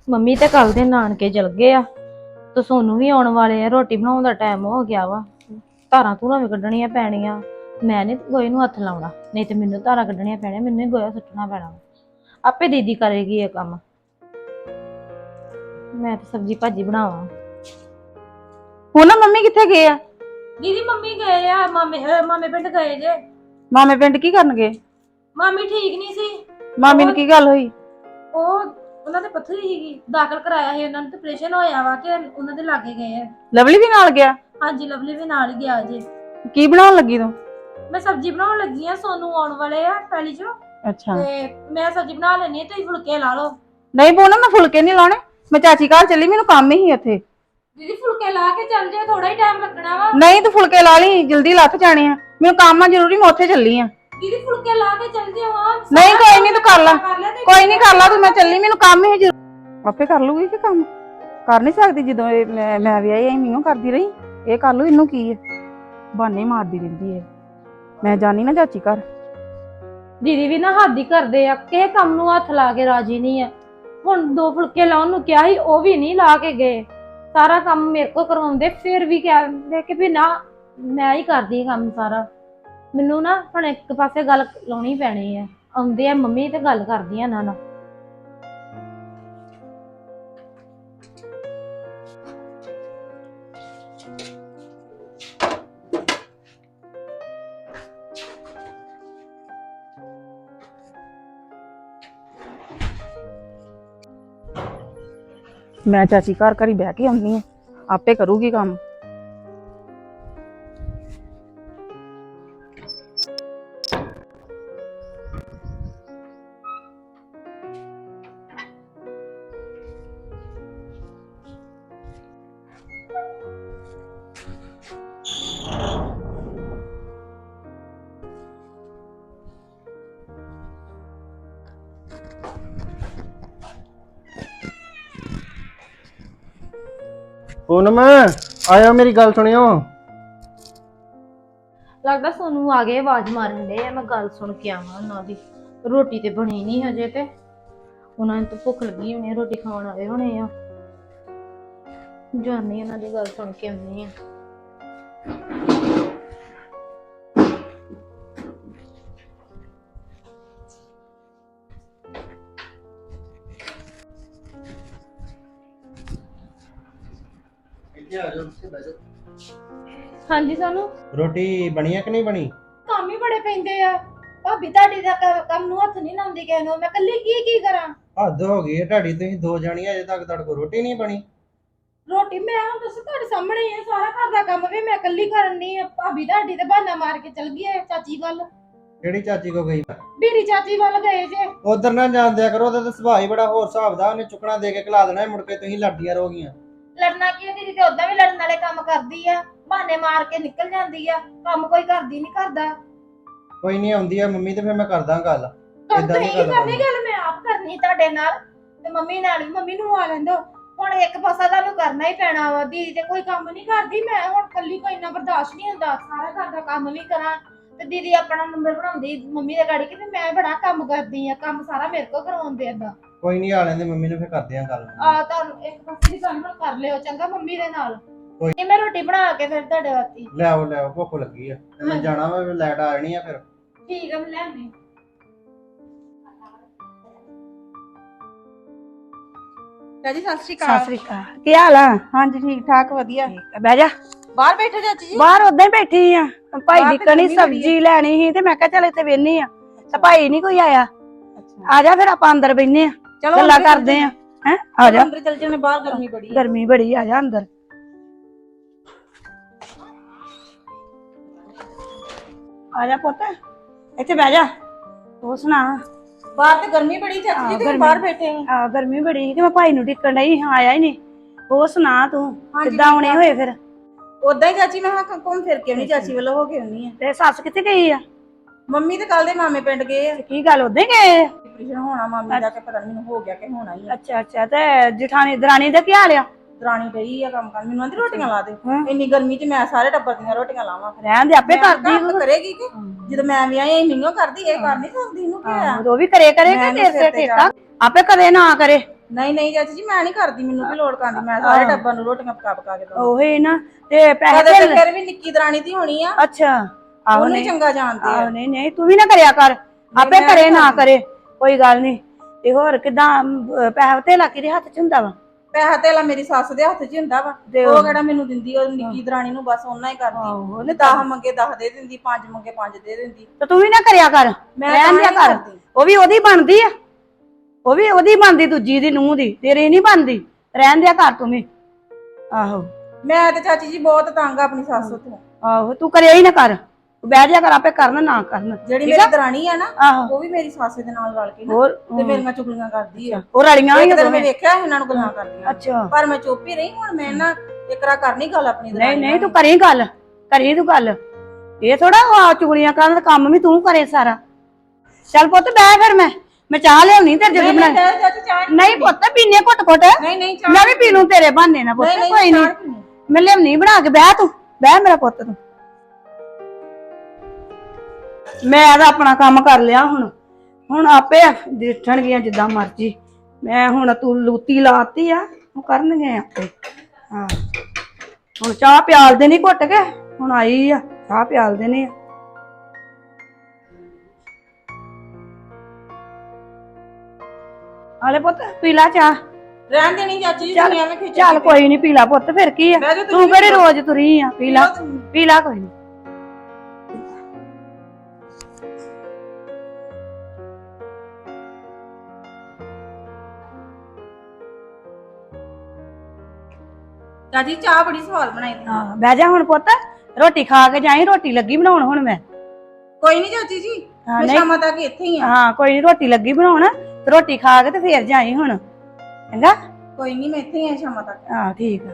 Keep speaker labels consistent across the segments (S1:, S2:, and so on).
S1: Mummy ਤੇ ਕੱਲ ਦੇ ਨਾਨਕੇ ਚਲ ਗਏ ਆ ਤੇ ਸੋਨੂੰ ਵੀ ਆਉਣ ਵਾਲੇ ਆ। ਰੋਟੀ ਬਣਾਉਣ ਦਾ ਟਾਈਮ ਹੋ ਗਿਆ ਵਾ। ਧਾਰਾਂ ਧੂਰਾਂ ਵੀ ਕੱਢਣੀਆਂ ਪੈਣੀਆਂ। ਮੈਂ ਨੀ ਗੋਏ ਨੂੰ ਹੱਥ ਲਾਉਣਾ, ਨਹੀਂ ਤੇ ਮੈਨੂੰ ਧਾਰਾਂ ਕੱਢਣੀਆਂ ਪੈਣੀਆਂ, ਮੈਨੂੰ ਹੀ ਗੋਇਆ ਸੁੱਟਣਾ ਪੈਣਾ। ਆਪੇ ਦੀਦੀ ਕਰੇਗੀ ਇਹ ਕੰਮ। ਮੈਂ ਤੇ ਸਬਜ਼ੀ ਭਾਜੀ ਬਣਾਵਾਂ।
S2: ਹੁਣ ਨਾ ਮੰਮੀ ਕਿੱਥੇ ਗਏ ਆ?
S1: ਦੀਦੀ ਮੰਮੀ ਗਏ ਆ ਮਾਮੇ ਪਿੰਡ ਗਏ ਜੇ।
S2: ਮਾਮੇ ਪਿੰਡ ਕੀ ਕਰਨਗੇ?
S1: ਮਾਮੀ ਠੀਕ ਨਹੀਂ ਸੀ।
S2: ਮਾਮੀ ਨੂੰ ਕੀ ਗੱਲ ਹੋਈ?
S1: ਉਹਨਾਂ ਦੇ ਪੱਥਰੀ ਸੀਗੀ, ਦਾਖਲ ਕਰਾਇਆ ਸੀ ਉਹਨਾਂ ਨੂੰ ਤੇ ਆਪਰੇਸ਼ਨ ਹੋਇਆ ਵਾ ਕਿ ਉਹਨਾਂ ਦੇ ਲਾਗੇ ਗਏ ਆ।
S2: ਲਵਲੀ ਵੀ ਨਾਲ ਗਿਆ?
S1: ਹਾਂਜੀ ਲਵਲੀ ਵੀ ਨਾਲ ਹੀ ਗਿਆ ਜੇ।
S2: ਕੀ ਬਣਾਉਣ ਲੱਗੀ ਤੂੰ?
S1: ਮੈਂ ਸਬਜ਼ੀ ਬਣਾਉਣ ਲੱਗੀ ਆ, ਸੋਨੂੰ ਆਉਣ ਵਾਲੇ ਆ ਪਹਿਲੀ ਚੋਂ।
S2: ਅੱਛਾ
S1: ਤੇ ਮੈਂ ਸਬਜ਼ੀ ਬਣਾ ਲੈਣੀ, ਤੁਸੀਂ ਫੁਲਕੇ ਲਾ ਲਓ।
S2: ਨਹੀਂ ਬੋਨਾ, ਮੈਂ ਫੁਲਕੇ ਨਹੀਂ ਲਾਉਣੇ, ਮੈਂ ਚਾਚੀ ਘਰ ਚੱਲੀ, ਮੈਨੂੰ ਕੰਮ ਹੀ ਉੱਥੇ।
S1: ਦੀਦੀ ਫੁਲਕੇ ਲਾ ਕੇ ਚੱਲ ਜੇ, ਥੋੜਾ ਹੀ ਟਾਈਮ ਲੱਗਣਾ ਵਾ।
S2: ਨਹੀਂ ਤੂੰ ਫੁਲਕੇ ਲਾ ਲਈ, ਜਲਦੀ ਲੱਥ ਜਾਣੇ ਆ, ਮੈਨੂੰ ਕੰਮ ਆ ਜ਼ਰੂਰੀ, ਮੈਂ ਉੱਥੇ ਚੱਲੀ ਆ।
S1: ਦੀਦੀ ਫੁਲਕੇ ਲਾ ਕੇ ਚੱਲ ਜੇ। ਹਾਂ
S2: ਨਹੀਂ ਕੋਈ ਨਹੀਂ, ਤੂੰ ਕਰ ਲਾ, ਕੋਈ ਨਹੀਂ ਕਰ ਲਾ ਤੂੰ, ਮੈਂ ਚੱਲੀ, ਮੈਨੂੰ ਕੰਮ ਹੀ ਜ਼ਰੂਰੀ। ਆਪੇ ਕਰ ਲੂਗੀ ਕਿ ਕੰਮ ਕਰ ਨਹੀਂ ਸਕਦੀ? ਜਦੋਂ ਮੈਂ ਵਿਆਹੀ ਆਈ ਮੈਨੂੰ ਕਰਦੀ ਰਹੀ, ਇਹ ਕਰ ਲੂ, ਇਹਨੂੰ ਕੀ ਹੈ? ਬਹਾਨੇ ਮਾਰਦੀ ਰਹਿੰਦੀ ਹੈ। ਮੈਂ ਜਾਣੀ ਨਾ ਚਾਚੀ ਘਰ।
S1: ਦੀਦੀ ਵੀ ਨਾ ਹੱਦ ਹੀ ਕਰਦੇ ਆ, ਕਿਸੇ ਕੰਮ ਨੂੰ ਹੱਥ ਲਾ ਕੇ ਰਾਜੀ ਨਹੀਂ ਆ। ਹੁਣ 2 ਫੁਲਕੇ ਲਾਉਣ ਨੂੰ ਕਿਹਾ ਸੀ, ਉਹ ਵੀ ਨਹੀਂ ਲਾ ਕੇ ਗਏ। ਸਾਰਾ ਕੰਮ ਮੇਰੇ ਕੋਲ ਕਰਵਾਉਂਦੇ, ਫਿਰ ਵੀ ਕਹਿੰਦੇ ਕਿ ਵੀ ਨਾ ਮੈਂ ਹੀ ਕਰਦੀ ਕੰਮ ਸਾਰਾ। ਮੈਨੂੰ ਨਾ ਹੁਣ ਇੱਕ ਪਾਸੇ ਗੱਲ ਲਾਉਣੀ ਪੈਣੀ ਆ। ਆਉਂਦੇ ਆ ਮੰਮੀ ਤੇ ਗੱਲ ਕਰਦੀ ਆ ਇਹਨਾਂ ਨਾਲ।
S2: ਮੈਂ ਚਾਚੀ ਘਰ ਘਰੀ ਬਹਿ ਕੇ ਆਉਂਦੀ ਆ, ਆਪੇ ਕਰੂਗੀ ਕੰਮ।
S3: ਪੂਨਮ ਆਇਆ, ਮੇਰੀ ਗੱਲ ਸੁਣਿਓ।
S1: ਲੱਗਦਾ ਸੋਨੂੰ ਆ ਗਏ, ਆਵਾਜ਼ ਮਾਰਨ ਦੇ ਆ। ਮੈਂ ਗੱਲ ਸੁਣ ਕੇ ਆਵਾਂ ਉਹਨਾਂ ਦੀ। ਰੋਟੀ ਤੇ ਬਣੀ ਨਹੀਂ ਹਜੇ, ਤੇ ਉਹਨਾਂ ਨੂੰ ਤਾਂ ਭੁੱਖ ਲੱਗੀ ਹੋਣੀ, ਰੋਟੀ ਖਾਣ ਆਏ ਹੋਣੇ ਆ। ਜਾਨੀ ਉਹਨਾਂ ਦੀ ਗੱਲ ਸੁਣ ਕੇ ਆਉਂਦੀ ਆ। ਹਾਂਜੀ ਸਾਨੂੰ
S3: ਰੋਟੀ ਬਣੀ ਆ ਕਿ ਨਹੀਂ ਬਣੀ?
S1: ਕੰਮ ਹੀ ਬੜੇ ਪੈਂਦੇ ਆ। ਭਾਬੀ ਤੁਹਾਡੀ ਦਾ ਕੰਮ ਨੂੰ ਹੱਥ ਨਹੀਂ ਲਾਉਂਦੀ ਕਿਸੇ ਨੂੰ। ਮੈਂ ਇਕੱਲੀ ਕੀ ਕਰਾਂ?
S3: ਹੱਦ ਹੋ ਗਈ ਹੈ ਤੁਹਾਡੀ, ਤੁਸੀਂ 2 ਜਾਣੀਆਂ ਅਜੇ ਤੱਕ ਤੁਹਾਡੇ ਕੋਲ ਰੋਟੀ ਨਹੀਂ ਬਣੀ।
S1: ਰੋਟੀ ਮੈਂ ਹੁਣ ਦੱਸ ਤੁਹਾਡੇ ਸਾਹਮਣੇ ਹੀ ਆ, ਸਾਰਾ ਘਰ ਦਾ ਕੰਮ ਵੀ ਮੈਂ ਇਕੱਲੀ ਕਰਨੀ ਆ। ਭਾਬੀ ਤੁਹਾਡੀ ਤੇ ਬਹਾਨਾ ਮਾਰ ਕੇ ਚਲ ਗਈ ਹੈ ਚਾਚੀ ਵੱਲ।
S3: ਕਿਹੜੀ ਚਾਚੀ ਕੋ ਗਈ?
S1: ਬੀਰੀ ਚਾਚੀ ਵੱਲ ਗਏ ਜੇ।
S3: ਉਧਰ ਨਾ ਜਾਣ ਦਿਆ ਕਰੋ, ਉਹਦਾ ਤਾਂ ਸੁਭਾਅ ਹੀ ਬੜਾ ਹੋਰ ਹਿਸਾਬ ਦਾ। ਉਹਨੇ ਚੁੱਕਣਾ ਦੇ ਕੇ ਖਿਲਾ ਦੇਣਾ, ਮੁੜ ਕੇ ਤੁਸੀਂ ਲੜਦੀਆਂ ਰਹੋਗੀਆਂ।
S1: ਲੜਨਾ ਕੀ ਆ? ਦੀਦੀ ਤੇ ਉਦਾਂ ਵੀ ਲੜਨ ਵਾਲੇ ਕੰਮ ਕਰਦੀ ਆ, ਬਹਾਨੇ ਮਾਰ ਕੇ ਨਿਕਲ ਜਾਂਦੀ ਆ। ਕੰਮ ਕੋਈ ਕਰਦੀ ਨਹੀਂ ਕਰਦਾ।
S3: ਕੋਈ ਨਹੀਂ, ਆਉਂਦੀ ਆ ਮੰਮੀ ਤੇ ਫਿਰ ਮੈਂ ਕਰਦਾ ਗੱਲ। ਏਦਾਂ
S1: ਨਹੀਂ ਕਰਨੀ ਗੱਲ, ਮੈਂ ਆਪ ਕਰਨੀ ਤੁਹਾਡੇ ਨਾਲ ਤੇ ਮੰਮੀ ਨਾਲ ਹੀ। ਮੰਮੀ ਨੂੰ ਆ ਲੈਂਦੋ। ਹੁਣ ਇੱਕ ਪਾਸਾ ਤੁਹਾਨੂੰ ਕਰਨਾ ਹੀ ਪੈਣਾ ਵਾ। ਦੀਦੀ ਤੇ ਕੋਈ ਕੰਮ ਨਹੀਂ ਕਰਦੀ, ਮੈਂ ਹੁਣ ਕੱਲੀ ਕੋਈ ਇੰਨਾ ਬਰਦਾਸ਼ਤ ਨਹੀਂ ਹੁੰਦਾ। ਸਾਰਾ ਘਰ ਦਾ ਕੰਮ ਵੀ ਕਰਾਂ ਤੇ ਦੀਦੀ ਆਪਣਾ ਨੰਬਰ ਬਣਾਉਂਦੀ ਮੰਮੀ ਦੇ ਗਾੜੀ ਕਿ ਮੈਂ ਬੜਾ ਕੰਮ ਕਰਦੀ ਆ, ਕੰਮ ਸਾਰਾ ਮੇਰੇ ਕੋਲ ਕਰਵਾਉਂਦੇ ਏਦਾਂ।
S3: ਕੋਈ ਨਹੀਂ, ਆ ਲੈਂਦੇ ਮੰਮੀ ਨੂੰ, ਫਿਰ ਕਰਦੇ ਆ ਗੱਲ।
S1: ਆ ਤੁਹਾਨੂੰ ਇੱਕ ਪਾਸੇ ਦੀ ਗੱਲ ਕਰ ਲਿਓ ਚੰਗਾ ਮੰਮੀ ਦੇ ਨਾਲ। ਤੇ ਮੈਂ ਰੋਟੀ ਬਣਾ ਕੇ ਫਿਰ ਤੁਹਾਡੇ ਵਾਸਤੇ
S3: ਲੈ ਆਓ, ਭੁੱਖ ਲੱਗੀ ਆ। ਮੈਂ ਜਾਣਾ ਵਾ, ਲਾਈਟ ਆ ਜਾਣੀ ਆ ਫਿਰ।
S1: ਠੀਕ ਆ, ਮੈਂ ਲੈ ਆਉਂਦੀ।
S2: ਚਾਚੀ ਸਤਿ ਸ਼੍ਰੀ ਅਕਾਲ। ਸਤਿ ਸ਼੍ਰੀ ਅਕਾਲ, ਕੀ ਹਾਲ ਆ? ਹਾਂਜੀ ਠੀਕ ਠਾਕ, ਵਧੀਆ। ਬਹਿ ਜਾ। ਬਾਹਰ ਬੈਠੇ ਚਾਚੀ ਜੀ? ਬਾਹਰ ਉਦਾਂ ਹੀ ਬੈਠੀ ਆ, ਭਾਈ ਦੀ ਕਣੀ ਸਬਜ਼ੀ ਲੈਣੀ ਸੀ ਤੇ ਮੈਂ ਕਿਹਾ ਚੱਲ ਇੱਥੇ ਵੇਹਨੀ ਆ, ਤੇ ਭਾਈ ਨਹੀਂ ਕੋਈ ਆਇਆ। ਆ ਜਾ ਫਿਰ ਆਪਾਂ ਅੰਦਰ ਬੈਠਨੇ ਆ, ਗੱਲਾਂ ਕਰਦੇ ਆ। ਹੈ ਆ ਜਾ ਅੰਦਰ ਚੱਲ ਜਨੇ, ਬਾਹਰ ਗਰਮੀ ਬੜੀ। ਗਰਮੀ ਬੜੀ, ਆ ਜਾ ਅੰਦਰ। ਆ ਜਾ ਪੁੱਤ, ਇੱਥੇ ਬਹਿ ਜਾ। ਤੂੰ ਸੁਣਾ?
S4: ਬਾਹਰ ਤੇ ਗਰਮੀ ਬੜੀ ਚਾਚੀ ਜੀ, ਤੇ ਬਾਹਰ ਬੈਠੇ
S2: ਆ। ਗਰਮੀ ਬੜੀ ਤੇ ਮੈਂ ਭਾਈ ਨੂੰ ਟਿਕਣ ਡਈ, ਆਇਆ ਹੀ ਨਹੀਂ। ਉਹ ਸੁਣਾ ਤੂੰ ਕਿੱਦਾਂ ਆਉਣੇ ਹੋਏ ਫਿਰ?
S4: ਉਦਾਂ ਹੀ ਚਾਚੀ, ਮੈਂ ਹਾਂ ਘੁੰਮ ਫਿਰ ਕੇ ਆਉਣੀ, ਚਾਚੀ ਵੱਲੋਂ ਹੋ ਕੇ ਆਉਣੀ ਆ।
S2: ਤੇ ਸੱਸ ਕਿੱਥੇ ਗਈ ਆ?
S4: ਮੰਮੀ ਤੇ ਕੱਲ ਦੇ ਮਾਮੇ ਪਿੰਡ ਗਏ ਆ।
S2: ਕੀ ਗੱਲ ਉਦਾਂ ਹੀ ਗਏ?
S4: ਆਪਰੇਸ਼ਨ ਹੋਣਾ ਮਾਮੀ ਦਾ, ਕਿ ਪਤਾ ਨਹੀਂ ਮੈਨੂੰ ਹੋ ਗਿਆ ਕਿ ਹੋਣਾ ਹੀ ਆ।
S2: ਅੱਛਾ ਅੱਛਾ, ਤੇ ਜਠਾਣੀ ਦਰਾਣੀ ਦਾ ਕੀ ਹਾਲ ਆ?
S4: ਦਰਾਣੀ ਪਈ ਆ ਕੰਮ ਕਰਨ, ਮੈਨੂੰ ਆਂਦੀ ਰੋਟੀਆਂ ਲਾ ਦੇ। ਇੰਨੀ ਗਰਮੀ 'ਚ ਮੈਂ ਸਾਰੇ ਟੱਬਰ ਦੀਆਂ ਰੋਟੀਆਂ ਲਾਵਾਂ?
S2: ਰਹਿਣ ਦੇ, ਆਪੇ ਕਰਦੀ
S4: ਕਰੇਗੀ ਕਿ ਜਦੋਂ ਮੈਂ ਵੀ ਆਈ ਮਹੀਨੋਂ ਕਰਦੀ, ਇਹ ਕਰ ਨਹੀਂ ਸਕਦੀ। ਇਹਨੂੰ ਕੀ ਆ?
S2: ਉਹ ਵੀ ਕਰੇ ਕਿ ਤੇਰੇ ਸਿਰ ਠੇਕਾ? ਆਪੇ ਕਰੇ ਨਾ ਕਰੇ,
S4: ਨਹੀਂ ਨਹੀਂ ਚਾਚੀ ਜੀ ਮੈਂ ਨਹੀਂ ਕਰਦੀ, ਮੈਨੂੰ ਵੀ ਲੋੜ ਕਰਦੀ, ਮੈਂ ਸਾਰੇ ਟੱਬਰ ਨੂੰ ਰੋਟੀਆਂ ਪਕਾ ਕੇ ਦਵਾਂ।
S2: ਉਹੀ ਨਾ ਤੇ ਪੈਸੇ
S4: ਕਦੇ ਤੇ ਫਿਰ ਵੀ ਨਿੱਕੀ ਦਰਾਣੀ ਦੀ ਹੋਣੀ ਆ,
S2: ਅੱਛਾ ਆਹੋ
S4: ਉਹਨੂੰ
S2: ਨਹੀਂ
S4: ਚੰਗਾ ਜਾਣਦੇ ਆ।
S2: ਨਹੀਂ ਨਹੀਂ ਤੂੰ ਵੀ ਨਾ ਕਰਿਆ ਕਰ, ਆਪੇ
S4: ਮੈਂ
S2: ਕਰੇ
S4: ਨੀ
S2: ਨਾ
S4: ਕਰਦੀ।
S2: ਕਰੇ ਕੋਈ ਗੱਲ ਨਹੀਂ। ਤੇ ਹੋਰ ਕਿਦਾਂ ਪੈਸਾ ਧੇਲਾ ਕਿਹਦੇ ਹੱਥ ਚ ਹੁੰਦਾ ਵਾ?
S4: ਪੈਸਾ ਧੇਲਾ ਮੇਰੀ ਸੱਸ ਦੇ ਹੱਥ 'ਚ ਹੀ ਹੁੰਦਾ ਵਾ,
S2: ਤੇ
S4: ਉਹ ਕਿਹੜਾ ਮੈਨੂੰ ਦਿੰਦੀ, ਉਹ ਨਿੱਕੀ ਦਰਾਣੀ ਨੂੰ ਬਸ ਉਹਨਾਂ ਹੀ ਕਰਦੀ।
S2: ਆਹੋ,
S4: ਉਹਨੇ 10 ਮੰਗੇ 10 ਦੇ ਦਿੰਦੀ, 5 ਮੰਗੇ 5 ਦੇ ਦਿੰਦੀ।
S2: ਤੇ ਤੂੰ ਵੀ ਨਾ ਕਰਿਆ ਕਰ,
S4: ਮੈਂ
S2: ਰਹਿਣ ਦਿਆ
S4: ਤਾਂ
S2: ਕਰ।
S4: ਨਹੀਂ ਕਰਦੀ।
S2: ਉਹ ਵੀ ਉਹਦੀ ਬਣਦੀ ਆ, ਉਹ ਵੀ ਉਹਦੀ ਬਣਦੀ, ਦੂਜੀ ਦੀ ਨੂੰਹ ਦੀ, ਤੇਰੀ ਨਹੀਂ ਬਣਦੀ। ਰਹਿਣ ਦਿਆ ਕਰ ਤੂੰ ਵੀ। ਆਹੋ
S4: ਮੈਂ ਤੇ ਚਾਚੀ ਜੀ ਬਹੁਤ ਤੰਗ ਆ ਆਪਣੀ ਸੱਸ ਤੋਂ।
S2: ਆਹੋ ਤੂੰ ਕਰਿਆ ਹੀ ਨਾ ਕਰ, ਤੂੰ ਬਹਿ ਜਾ ਕਰ, ਆਪੇ ਕਰਨ ਨਾ ਕਰਨ।
S4: ਜਿਹੜੀ
S2: ਠੀਕ ਆ?
S4: ਮੇਰੀ ਦਰਾਣੀ ਆ ਨਾ,
S2: ਆਹੋ
S4: ਉਹ ਵੀ ਮੇਰੀ ਸੱਸ ਦੇ ਨਾਲ ਰਲ ਕੇ ਨਾ
S2: ਹੋਰ
S4: ਤੇ ਮੇਰੀਆਂ ਚੁਗਲੀਆਂ ਕਰਦੀ ਆ।
S2: ਉਹ ਰਲੀਆਂ
S4: ਇੱਕ
S2: ਹੀ
S4: ਦਿਨ ਮੈਂ
S2: ਦੋਵੇਂ।
S4: ਵੇਖਿਆ ਇਹਨਾਂ ਨੂੰ ਗੱਲਾਂ ਕਰਦੀਆਂ,
S2: ਅੱਛਾ
S4: ਪਰ ਮੈਂ ਚੁੱਪ ਹੀ ਰਹੀ। ਹੁਣ ਮੈਂ ਨਾ ਇਕਰਾ ਕਰਨੀ ਗੱਲ ਆਪਣੀ
S2: ਨਹੀਂ
S4: ਦਰਾਣੀ
S2: ਨਹੀਂ ਤੂੰ ਕਰੀ ਗੱਲ, ਕਰੀ ਤੂੰ ਗੱਲ। ਇਹ ਥੋੜਾ ਚੁਗਲੀਆਂ ਕਰਨ ਦਾ ਕੰਮ ਵੀ ਤੂੰ ਕਰੇ ਸਾਰਾ। ਚੱਲ ਪੁੱਤ ਬਹਿ ਫਿਰ, ਮੈਂ ਚਾਹ ਲਿਆਉਣੀ ਤੇ ਜਦੋਂ ਬਣਾ। ਨਹੀਂ ਪੁੱਤ ਪੀਨੇ ਘੁੱਟ ਘੁੱਟ,
S4: ਨਹੀਂ ਨਹੀਂ
S2: ਮੈਂ ਵੀ ਪੀ ਲੂੰ ਤੇਰੇ ਬਹਾਨੇ ਨਾਲ ਪੁੱਤ, ਕੋਈ ਨਹੀਂ ਮੈਂ ਲਿਆਉਣੀ ਬਣਾ ਕੇ। ਬਹਿ ਤੂੰ, ਬਹਿ ਮੇਰਾ ਪੁੱਤ ਤੂੰ। ਮੈਂ ਤਾਂ ਆਪਣਾ ਕੰਮ ਕਰ ਲਿਆ, ਹੁਣ ਆਪੇ ਦੇਖਣਗੀਆਂ ਜਿੱਦਾਂ ਮਰਜੀ। ਮੈਂ ਹੁਣ ਤੂੰ ਲੂਤੀ ਲਾਤੀ ਆ, ਉਹ ਕਰਨਗੇ ਆਪੇ। ਹਾਂ ਹੁਣ ਚਾਹ ਪਿਆਲ ਦੇਣੀ ਘੁੱਟ ਕੇ, ਹੁਣ ਆਈ ਆ ਚਾਹ ਪਿਆਲ ਦੇਣੀ ਆ। ਆਲੇ ਪੁੱਤ ਪੀ ਲਾ ਚਾਹ।
S4: ਰਹਿਣ ਦੇਣੀ ਚਾਚੀ ਜੀ,
S2: ਚੱਲ
S4: ਤੁਸੀਂ ਐਵੇਂ ਖਿੱਚ
S2: ਚੱਲ ਕੋਈ ਨਹੀਂ, ਪੀ ਲਾ ਪੁੱਤ, ਫਿਰ ਕੀ ਆ,
S4: ਬਹਿ ਜਾ
S2: ਤੂੰ ਕਿਹੜੀ ਰੋਜ਼ ਤੁਰੀ ਆ। ਪੀ ਲਾ ਪੀ ਲਾ, ਕੋਈ ਨਹੀਂ।
S4: ਚਾਚੀ ਚਾਹ ਬੜੀ ਸਵਾਦ ਬਣਾਈ ਤੁਸੀਂ।
S2: ਹਾਂ ਬਹਿ ਜਾ ਹੁਣ ਪੁੱਤ, ਰੋਟੀ ਖਾ ਕੇ ਜਾਈ, ਰੋਟੀ ਲੱਗੀ ਬਣਾਉਣ ਹੁਣ ਮੈਂ।
S4: ਕੋਈ ਨਹੀਂ ਚਾਚੀ ਜੀ,
S2: ਹਾਂ,
S4: ਮੈਂ
S2: ਨਹੀਂ।
S4: ਸ਼ਾਮਾਂ ਤੱਕ ਇੱਥੇ ਹੀ ਆ।
S2: ਹਾਂ ਕੋਈ ਨੀ, ਰੋਟੀ ਲੱਗੀ ਬਣਾਉਣ, ਤੇ ਰੋਟੀ ਖਾ ਕੇ ਤੇ ਫੇਰ ਜਾਈ ਹੁਣ, ਚੰਗਾ।
S4: ਕੋਈ ਨਹੀਂ ਮੈਂ ਇੱਥੇ ਹੀ ਆ ਸ਼ਾਮਾਂ ਤੱਕ।
S2: ਹਾਂ ਠੀਕ ਆ।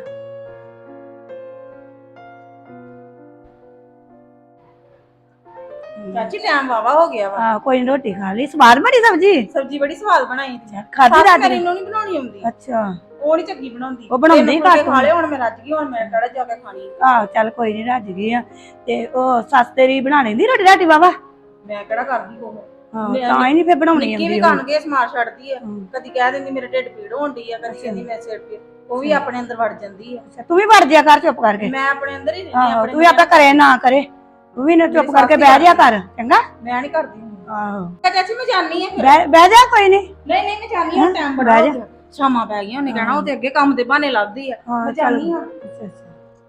S4: ਚਾਚੀ ਟਾਈਮ ਵਾਵਾ ਹੋ ਗਿਆ ਵਾ।
S2: ਹਾਂ ਕੋਈ ਨੀ, ਰੋਟੀ ਖਾ ਲਈ। ਸਵਾਦ ਬਣੀ ਸਬਜੀ,
S4: ਸਬਜ਼ੀ ਬੜੀ ਸਵਾਦ ਬਣਾਈ ਤੁਸੀਂ।
S2: ਖਾਧੀ ਰਾਤ
S4: ਮੇਰੀ
S2: ਦੀ?
S4: ਨੂੰ ਨਹੀਂ ਬਣਾਉਣੀ ਆਉਂਦੀ,
S2: ਅੱਛਾ
S4: ਉਹ ਨਹੀਂ ਚੰਗੀ ਬਣਾਉਂਦੀ।
S2: ਉਹ ਬਣਾਉਂਦੀ
S4: ਇਹਨੂੰ
S2: ਘੱਟ
S4: ਖਾ ਲਿਆ, ਹੁਣ ਮੈਂ ਰੱਜ ਗਈ, ਹੁਣ ਮੈਂ ਕਿਹੜਾ ਜਾ ਕੇ ਖਾਣੀ।
S2: ਆਹ ਚੱਲ ਕੋਈ ਨੀ, ਰੱਜ ਗਈ ਆ। ਤੇ ਉਹ ਸੱਸ ਤੇਰੀ ਬਣਾ ਲੈਂਦੀ ਰੋਟੀ ਰਾਟੀ ਵਾਵਾ?
S4: ਮੈਂ ਕਿਹੜਾ ਕਰਦੀ ਉਹ।
S2: ਹਾਂ ਤਾਂ ਹੀ ਨਹੀਂ ਫੇਰ ਬਣਾਉਣੀ
S4: ਨਿੱਕੀ
S2: ਆਉਂਦੀ
S4: ਵੀ
S2: ਉਹਨੂੰ।
S4: ਕਣ ਕੇ ਸਮਾਰ ਛੱਡਦੀ ਆ, ਕਦੀ ਕਹਿ ਦਿੰਦੀ ਮੇਰੇ ਢਿੱਡ ਪੀੜ ਹੋਣਦੀ ਆ, ਕਦੀ ਕਹਿੰਦੀ ਮੈਂ ਸਿਰ ਪੀੜ। ਉਹ ਵੀ ਆਪਣੇ ਅੰਦਰ ਵੜ ਜਾਂਦੀ ਆ।
S2: ਤੂੰ ਵੀ ਵੜ ਜਿਆ ਕਰ ਚੁੱਪ ਕਰਕੇ।
S4: ਮੈਂ ਆਪਣੇ ਅੰਦਰ ਹੀ ਰਹਿੰਦੀ
S2: ਆਹੋ
S4: ਆਪਣੇ
S2: ਤੂੰ ਵੀ ਆਪੇ ਕਰੇ ਨਾ ਕਰੇ, ਤੂੰ ਵੀ ਨਾ ਚੁੱਪ ਕਰਕੇ ਬਹਿ ਜਿਆ ਕਰ, ਚੰਗਾ।
S4: ਮੈਂ ਨਹੀਂ ਕਰਦੀ ਹੁਣ।
S2: ਆਹੋ
S4: ਚਾਚੀ ਮੈਂ ਜਾਣੀ ਆ ਫਿਰ।
S2: ਬਹਿ ਜਾ, ਕੋਈ ਨੀ।
S4: ਨਹੀਂ ਨਹੀਂ ਮੈਂ ਜਾਣੀ ਆ, ਟਾਈਮ ਬੜਾ ਹੋ ਗਿਆ, ਸ਼ਾਮਾਂ ਪੈ ਗਈਆਂ। ਉਹਨੇ ਕਹਿਣਾ ਉਹ ਤੇ ਅੱਗੇ ਕੰਮ ਦੇ ਬਹਾਨੇ ਲੱਭਦੀ ਆ। ਮੈਂ ਜਾਣੀ ਆ।
S2: ਅੱਛਾ ਅੱਛਾ।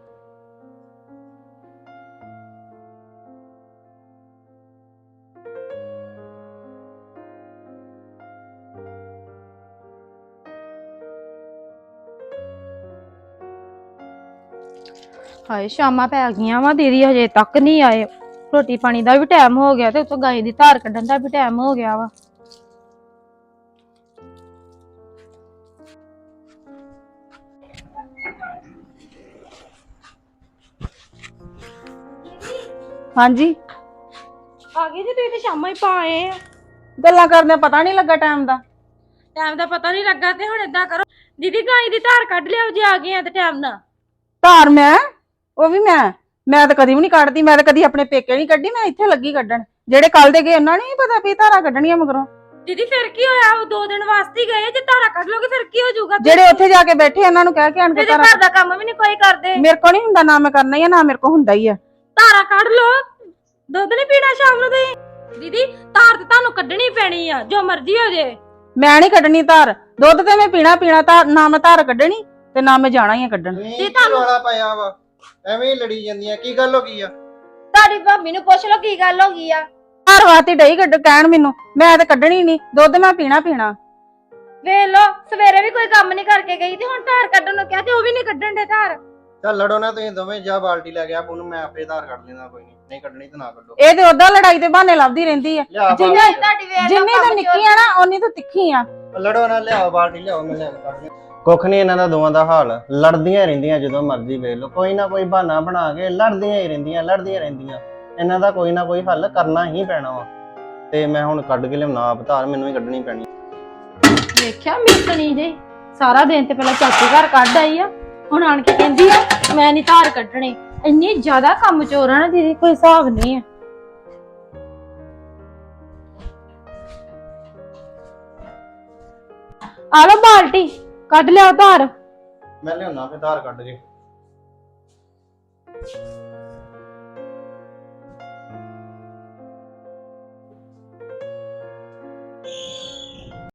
S1: ਹਾਏ ਸ਼ਾਮਾਂ ਪੈ ਗਈਆਂ ਵਾ, ਦੀਦੀ ਹਜੇ ਤੱਕ ਨਹੀਂ ਆਏ। ਰੋਟੀ ਪਾਣੀ ਦਾ ਵੀ ਟਾਈਮ ਹੋ ਗਿਆ ਤੇ ਉੱਤੋਂ ਗਾਈ ਦੀ ਧਾਰ ਕੱਢਣ ਦਾ ਵੀ ਟਾਈਮ ਹੋ ਗਿਆ ਵਾ।
S2: ਹਾਂਜੀ
S1: ਆ ਗਏ ਜੀ ਤੁਸੀਂ ਤੇ ਸ਼ਾਮਾਂ ਹੀ ਪਾ ਆਏ ਆ।
S4: ਗੱਲਾਂ ਕਰਦੇ ਪਤਾ ਨਹੀਂ ਲੱਗਾ ਟਾਈਮ ਦਾ।
S1: ਟਾਈਮ ਦਾ ਪਤਾ ਨਹੀਂ ਲੱਗਾ ਤੇ ਹੁਣ ਏਦਾਂ ਕਰੋ, ਦੀਦੀ ਗਾਈ ਦੀ ਧਾਰ ਕੱਢ ਲਿਆਓ ਜੇ ਆ ਗਏ ਆ ਤੇ ਟਾਈਮ ਨਾਲ।
S4: ਧਾਰ ਮੈਂ ਉਹ ਵੀ ਮੈਂ ਤਾਂ ਕਦੀ ਵੀ ਨਹੀਂ ਕੱਢਦੀ। ਮੈਂ ਤਾਂ ਕਦੀ ਆਪਣੇ ਪੇਕੇ ਨਹੀਂ ਕੱਢੀ, ਮੈਂ ਇੱਥੇ ਲੱਗੀ ਕੱਢਣ। ਜਿਹੜੇ ਕੱਲ ਦੇ ਗਏ ਉਹਨਾਂ ਨੂੰ ਨਹੀਂ ਪਤਾ ਵੀ ਧਾਰਾਂ ਕੱਢਣੀਆਂ ਮਗਰੋਂ।
S1: ਦੀਦੀ ਫਿਰ ਕੀ ਹੋਇਆ, ਉਹ 2 ਦਿਨ ਵਾਸਤੇ ਹੀ ਗਏ, ਜੇ ਧਾਰਾ ਕੱਢ ਲੋਗੇ ਫਿਰ ਕੀ ਹੋ ਜਾਊਗਾ?
S4: ਜਿਹੜੇ ਉੱਥੇ ਜਾ ਕੇ ਬੈਠੇ ਉਹਨਾਂ ਨੂੰ ਕਹਿ ਕੇ ਆਣ ਕੇ
S1: ਤੇ
S4: ਧਾਰਾਂ।
S1: ਘਰ ਦਾ ਕੰਮ ਵੀ ਨਹੀਂ ਕੋਈ ਕਰਦੇ।
S4: ਮੇਰੇ ਕੋਲ ਨਹੀਂ ਹੁੰਦਾ, ਨਾ ਮੈਂ ਕਰਨਾ ਹੀ ਆ, ਨਾ ਮੇਰੇ ਕੋਲ ਹੁੰਦਾ ਹੀ ਆ।
S1: ਧਾਰਾ ਕੱਢ ਲੋ, ਦੁੱਧ ਨਹੀਂ ਪੀਣਾ ਸ਼ਾਮ ਨੂੰ ਤੁਸੀਂ। ਦੀਦੀ ਧਾਰ ਤੇ ਤੁਹਾਨੂੰ ਕੱਢਣੀ ਪੈਣੀ ਆ, ਜੋ ਮਰਜ਼ੀ ਹੋ ਜੇ।
S4: ਮੈਂ ਨਹੀਂ ਕੱਢਣੀ ਧਾਰ, ਦੁੱਧ ਤੇ ਮੈਂ ਪੀਣਾ ਧਾਰ, ਨਾ ਮੈਂ ਧਾਰ ਕੱਢਣੀ ਤੇ ਨਾ ਮੈਂ ਜਾਣਾ ਹੀ ਆ ਕੱਢਣ।
S3: ਕੀ ਰੌਲਾ ਪਾਇਆ ਵਾ, ਐਵੇਂ ਹੀ ਲੜੀ ਜਾਂਦੀਆਂ, ਕੀ ਗੱਲ ਹੋ ਗਈ ਆ?
S1: ਤੁਹਾਡੀ ਭਾਬੀ ਨੂੰ ਪੁੱਛ ਲਓ ਕੀ ਗੱਲ ਹੋ ਗਈ ਆ।
S4: ਧਾਰ ਵਾਤੀ ਡਈ ਕੱਢ ਕਹਿਣ ਮੈਨੂੰ, ਮੈਂ ਤਾਂ ਕੱਢਣੀ ਨਹੀਂ, ਦੁੱਧ ਮੈਂ ਪੀਣਾ।
S1: ਵੇਖ ਲੋ, ਸਵੇਰੇ ਵੀ ਕੋਈ ਕੰਮ ਨਹੀਂ ਕਰਕੇ ਗਈ ਤੇ ਹੁਣ ਧਾਰ ਕੱਢਣ ਨੂੰ ਕਿਹਾ ਤੇ ਉਹ ਵੀ ਨਹੀਂ ਕੱਢਣ ਦੇ ਧਾਰ।
S3: ਚੱਲ ਲੜੋ ਨਾ ਤੁਸੀਂ ਦੋਵੇਂ, ਜਾ ਬਾਲਟੀ ਲੈ ਗਿਆ ਉਹਨੂੰ, ਮੈਂ ਆਪੇ ਧਾਰ ਕੱਢ ਲੈਂਦਾ, ਕੋਈ ਨਹੀਂ ਕੱਢਣੀ ਤਾਂ ਨਾ ਕੱਢੋ।
S4: ਇਹ ਤੇ ਉਦਾਂ ਲੜਾਈ ਦੇ ਬਹਾਨੇ ਲੱਭਦੀ ਰਹਿੰਦੀ ਆ।
S3: ਲਿਆ
S4: ਜਿੰਨੀ
S3: ਬਾਲਟੀ,
S1: ਤੁਹਾਡੀ ਵੇਖ ਲਓ
S4: ਜਿੰਨੀ ਤਾਂ ਨਿੱਕੀ ਆ ਨਾ ਓਨੀ ਤਾਂ ਤਿੱਖੀ ਆ।
S3: ਲੜੋ ਨਾ, ਲਿਆਓ ਬਾਲਟੀ, ਲਿਆਓ, ਮੈਂ ਲੈ ਕੇ ਕੱਢ ਲਿਆ। ਕੁੱਖ ਨਹੀਂ ਇਹਨਾਂ ਦਾ ਦੋਵਾਂ ਦਾ ਹਾਲ, ਲੜਦੀਆਂ ਰਹਿੰਦੀਆਂ ਜਦੋਂ ਮਰਜ਼ੀ ਵੇਖ ਲਓ, ਕੋਈ ਨਾ ਕੋਈ ਬਹਾਨਾ ਬਣਾ ਕੇ ਲੜਦੀਆਂ ਹੀ ਰਹਿੰਦੀਆਂ, ਲੜਦੀਆਂ ਰਹਿੰਦੀਆਂ। ਇਹਨਾਂ ਦਾ ਕੋਈ ਨਾ ਕੋਈ ਹੱਲ ਕਰਨਾ ਹੀ ਪੈਣਾ ਵਾ। ਤੇ ਮੈਂ ਹੁਣ ਕੱਢ ਕੇ ਲਿਆਉਣਾ ਆਪ ਧਾਰ, ਮੈਨੂੰ ਹੀ ਕੱਢਣੀ ਪੈਣੀ।
S1: ਵੇਖਿਆ ਮਿਸਣੀ ਜੇ ਸਾਰਾ ਦਿਨ ਤੇ ਪਹਿਲਾਂ ਚਾਚੀ ਘਰ ਕੱਢ ਆਈ ਆ, ਹੁਣ ਆਣ ਕੇ ਕਹਿੰਦੀ ਆ ਮੈਂ ਨਹੀਂ ਧਾਰ ਕੱਢਣੀ। ਇੰਨੀ ਜ਼ਿਆਦਾ ਕੰਮ ਚੋਰ ਆ ਨਾ ਦੀਦੀ, ਕੋਈ ਹਿਸਾਬ ਨਹੀਂ ਆ। ਆ ਲੋ ਬਾਲਟੀ ਕੱਢ ਲਿਆਓ ਧਾਰ।
S3: ਮੈਂ ਲਿਆਉਣਾ ਫਿਰ ਧਾਰ ਕੱਢ ਕੇ।